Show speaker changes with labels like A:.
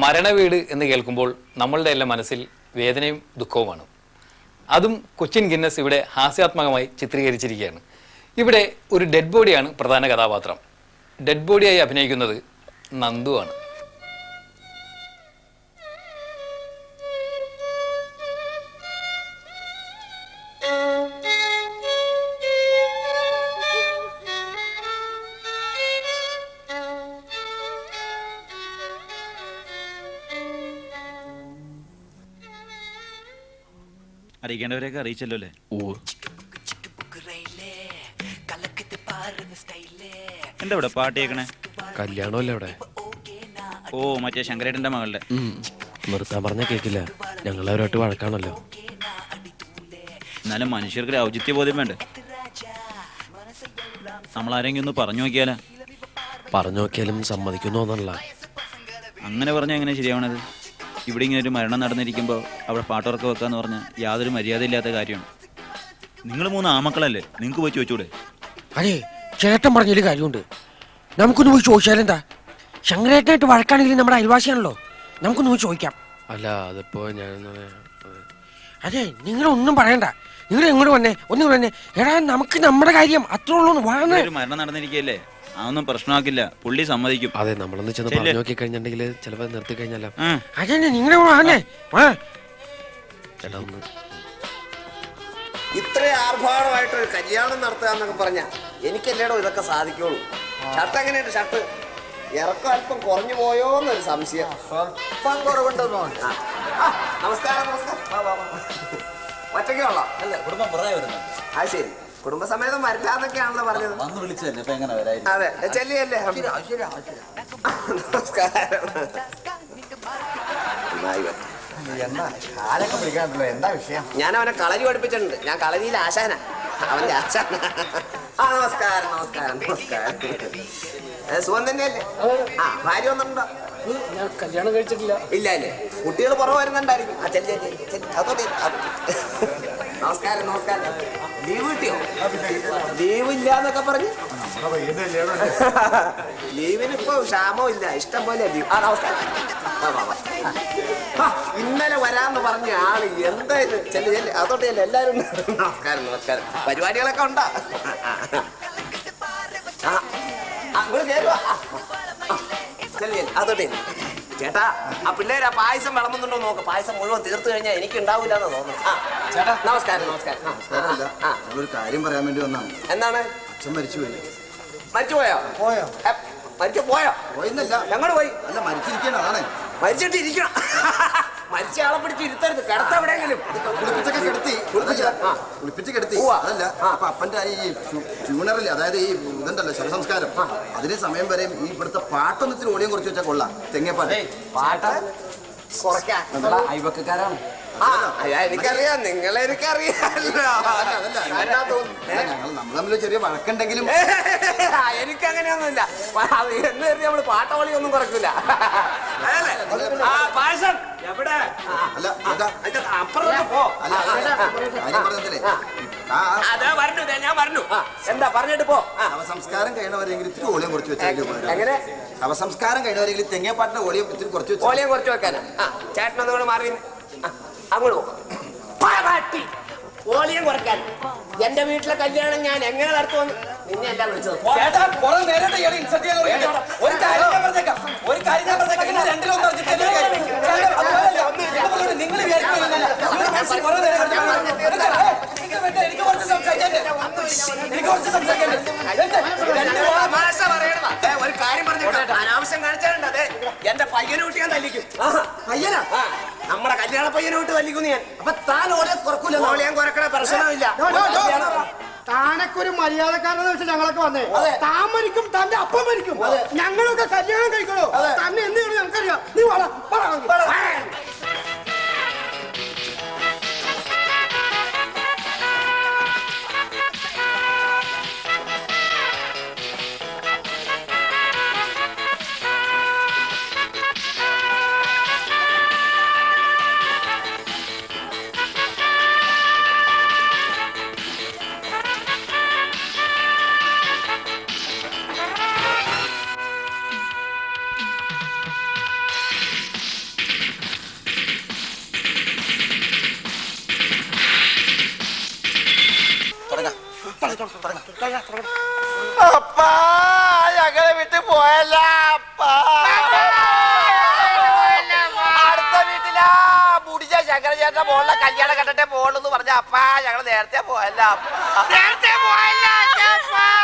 A: മരണവീട് എന്ന് കേൾക്കുമ്പോൾ നമ്മളുടെ എല്ലാം മനസ്സിൽ വേദനയും ദുഃഖവുമാണ്. അതും കൊച്ചിൻ ഗിന്നസ് ഇവിടെ ഹാസ്യാത്മകമായി ചിത്രീകരിച്ചിരിക്കുകയാണ്. ഇവിടെ ഒരു ഡെഡ് ബോഡിയാണ് പ്രധാന കഥാപാത്രം. ഡെഡ് ബോഡിയായി അഭിനയിക്കുന്നത് നന്ദുവാണ്.
B: അറിയിക്കേണ്ടവരെയൊക്കെ അറിയിച്ചല്ലോ അല്ലേ? എന്താ ഇവിടെ പാട്ട് കേൾക്കണേ?
C: കല്യാണമല്ലേ ഇവിടെ?
B: ഓ, മറ്റേ ശങ്കരേട്ടന്റെ മകളുടെ.
C: നിർത്താൻ പറഞ്ഞാൽ കേൾക്കില്ല. ഞങ്ങളവരോട്ട് വഴക്കാണല്ലോ.
B: എന്നാലും മനുഷ്യർക്ക് ഔചിത്യ ബോധ്യം വേണ്ടേ? നമ്മളാരെങ്കിലും ഒന്ന് പറഞ്ഞു നോക്കിയാലോ?
C: പറഞ്ഞു നോക്കിയാലും സമ്മതിക്കുന്നു തോന്നല്ല.
B: അങ്ങനെ പറഞ്ഞാൽ എങ്ങനെ ശരിയാവണത്? ഇവിടെ ഇങ്ങനെ ഒരു മരണം നടന്നിരിക്കുമ്പോൾ അവിടെ പാട്ടുറക്കം വെക്കാന്ന് പറഞ്ഞാൽ യാതൊരു മര്യാദയില്ലാത്ത കാര്യമാണ്. നിങ്ങൾ 3 ആമക്കളല്ലേ, നിങ്ങൾക്ക് പോയി ചോദിച്ചൂടെ?
D: അതെ, ചേട്ടൻ പറഞ്ഞതിൽ കാര്യമുണ്ട്. നമുക്കൊന്ന് പോയി ചോദിച്ചാലെന്താ? ശങ്കരേട്ടനായിട്ട് വഴക്കാണെങ്കിലും നമ്മുടെ അയൽവാസിയാണല്ലോ, നമുക്കൊന്ന് പോയി ചോദിക്കാം.
C: അല്ല, അതിപ്പോ ഞാൻ
D: അതെ, നിങ്ങളൊന്നും പറയണ്ട. നിങ്ങൾ എങ്ങോട്ട് വന്നേ, ഒന്നും വന്നേ. എടാ, നമുക്ക് നമ്മുടെ കാര്യം അത്രേ ഉള്ളൂ.
B: ഒരു മരണം നടന്നിരിക്കല്ലേ, അതൊന്നും പ്രശ്നമാക്കില്ല, പുള്ളി സമ്മതിക്കും.
C: അതെ, നമ്മളൊന്ന് ചെന്ന് പറഞ്ഞു നോക്കി കഴിഞ്ഞിട്ടുണ്ടെങ്കിൽ ചിലപ്പോ നിർത്തി കഴിഞ്ഞാലോ.
D: അതെ, നിങ്ങളെ വന്നേ.
C: ചേട്ടാ, ഒന്ന്
E: ഇത്ര ആർഭാടമായിട്ടൊരു കല്യാണം നടത്തുക എന്നൊക്കെ പറഞ്ഞാ എനിക്കല്ലേടോ ഇതൊക്കെ സാധിക്കുള്ളൂ. ഷർട്ട് എങ്ങനെയുണ്ട്? ഷർട്ട് ഇറക്കം അല്പം കുറഞ്ഞു പോയോ എന്നൊരു സംശയം. സ്വല്പം കുറവുണ്ടെന്നോ? നമസ്കാരം. ഒറ്റയ്ക്കേ ഉള്ളോ? അല്ല, കുടുംബം പുറകെ വരുന്നു. അത് ശരി, കുടുംബസമേതം വരില്ലാന്നൊക്കെയാണല്ലോ പറഞ്ഞത്.
F: വന്ന് വിളിച്ചതല്ലേ, ഇപ്പൊ എങ്ങനെ വരായിരുന്നു?
E: അതെ, ചെല്ലിയല്ലേ. നമസ്കാരം.
F: എന്താ കാലൊക്കെ വിളിക്കാണ്ടല്ലോ, എന്താ വിഷയം?
E: ഞാൻ അവനെ കളരി പഠിപ്പിച്ചിട്ടുണ്ട്. ഞാൻ കളരിയിലെ ആശാന, അവന്റെ ആശാന. നമസ്കാരം. സുഖം തന്നെയല്ലേ? ഭാര്യ ഒന്നുണ്ടോ?
D: ഞാൻ കല്യാണം കഴിച്ചിട്ടില്ല.
E: ഇല്ല അല്ലേ? കുട്ടികൾ പുറകെ വരുന്നുണ്ടായിരിക്കും. നമസ്കാരം. ലീവ് കിട്ടിയോ? ലീവ് ഇല്ലാന്നൊക്കെ പറഞ്ഞ് ലീവിന് ഇപ്പൊ ക്ഷാമോ ഇല്ല, ഇഷ്ടം പോലെ ലീവ്. നമസ്കാരം. ഇന്നലെ വരാന്ന് പറഞ്ഞ ആള് എന്തായാലും ചെല്ല്. അതോട്ട് ചെല്ല്, എല്ലാരും. നമസ്കാരം. പരിപാടികളൊക്കെ ഉണ്ടാ? അതോട്ടെ ചേട്ടാ, ആ പിള്ളേര് ആ പായസം വിളമ്പുന്നുണ്ടോ നോക്ക്. പായസം മുഴുവൻ തീർത്തു കഴിഞ്ഞാൽ എനിക്ക് ഉണ്ടാവില്ല എന്ന് തോന്നുന്നു. ചേട്ടാ, നമസ്കാരം.
F: ഒരു കാര്യം പറയാൻ വേണ്ടി വന്നാണ്.
E: എന്താണ്?
F: അച്ഛൻ മരിച്ചുപോയി.
E: മരിച്ചുപോയോ? പോയോ?
F: പോയിന്നല്ല,
E: ഞങ്ങള് പോയി.
F: അല്ല, മരിച്ചിരിക്കണം. അതാണ്,
E: മരിച്ചിട്ട് ഇരിക്കണം. മരിച്ച ആളെ പിടിച്ച് ഇരുത്തരുത്, കിടത്ത എവിടെയെങ്കിലും.
F: കുളിപ്പിച്ച് കിടത്തി. അതല്ല, അപ്പൊ അപ്പന്റെ ഈ ട്യൂണറിൽ, അതായത് ഈ ഇതുണ്ടല്ലോ ശവസംസ്കാരം, അതിന് സമയം വരെ ഈ ഇവിടുത്തെ പാട്ടൊന്ന് ഇത്തിരി ഓടിയും കുറച്ച് വെച്ചാൽ കൊള്ളാം. തെങ്ങേപ്പാട്ട്
E: പാട്ട് അയൽവക്കാരാണ്. എനിക്കറിയാം, നിങ്ങളെനിക്കറിയാമല്ലോ.
F: നമ്മൾ തമ്മിൽ ചെറിയ വഴക്കുണ്ടെങ്കിലും
E: എനിക്കങ്ങനെയൊന്നുമില്ല. എന്ന് കരുതി നമ്മള് പാട്ടവളി ഒന്നും കുറയ്ക്കൂല. പായസം എവിടെ?
F: അല്ല,
E: അപ്പുറത്തോട്ട് പോ. ഞാൻ പറഞ്ഞു. എന്താ പറഞ്ഞിട്ട് പോ.
F: ശവസംസ്കാരം കഴിയണവരെങ്കിലും ഇത്തിരി ഓളിയം കുറച്ച് വെച്ചാൽ.
E: എങ്ങനെ?
F: ശവസംസ്കാരം കഴിയണവരെങ്കിലും തെങ്ങേപ്പാട്ടിന്റെ ഓളിയം ഇത്തിരി കുറച്ച് വെച്ചാൽ.
E: ഓളിയം കുറച്ച് വെക്കാനാ? ചേട്ടനൊന്നുകൂടെ മാറി അങ്ങോട്ട് പോകും. ഓളിയം കുറയ്ക്കാൻ എന്റെ വീട്ടിലെ കല്യാണം ഞാൻ എങ്ങനെ നടത്തുമെന്ന് നിന്നെ എല്ലാം വിളിച്ചത്. ഒരു കാര്യം പറഞ്ഞു, അനാവശ്യം കാണിച്ചാലുണ്ട്. അതെ, എന്റെ പയ്യനെ വിട്ട് ഞാൻ തല്ലിക്കും. പയ്യനാ? നമ്മുടെ കല്യാണ പയ്യനെ വിട്ട് തല്ലിക്കുന്നു ഞാൻ. അപ്പൊ താൻ ഓളിയം കുറക്കൂല? ഓളിയം കുറക്കണ പ്രശ്നമില്ല.
G: താനൊക്കെ മര്യാദക്കാരെന്ന് വെച്ചാൽ ഞങ്ങളൊക്കെ വന്നേ. താൻ മരിക്കും, തന്റെ അപ്പം മരിക്കും. ഞങ്ങളൊക്കെ കല്യാണം കഴിക്കണോ? തന്നെ എന്ത് ചെയ്യണം ഞങ്ങൾക്കറിയാം. നീ
E: അപ്പാ ഞങ്ങളെ വിട്ട് പോയല്ല അപ്പാ. അടുത്ത വീട്ടിലാ മുടിച്ച ശങ്കരചേട്ടന്റെ മോളിലെ കല്യാണം കണ്ടിട്ടേ പോളെന്ന് പറഞ്ഞ അപ്പാ ഞങ്ങള് നേരത്തെ പോയല്ല അപ്പാ.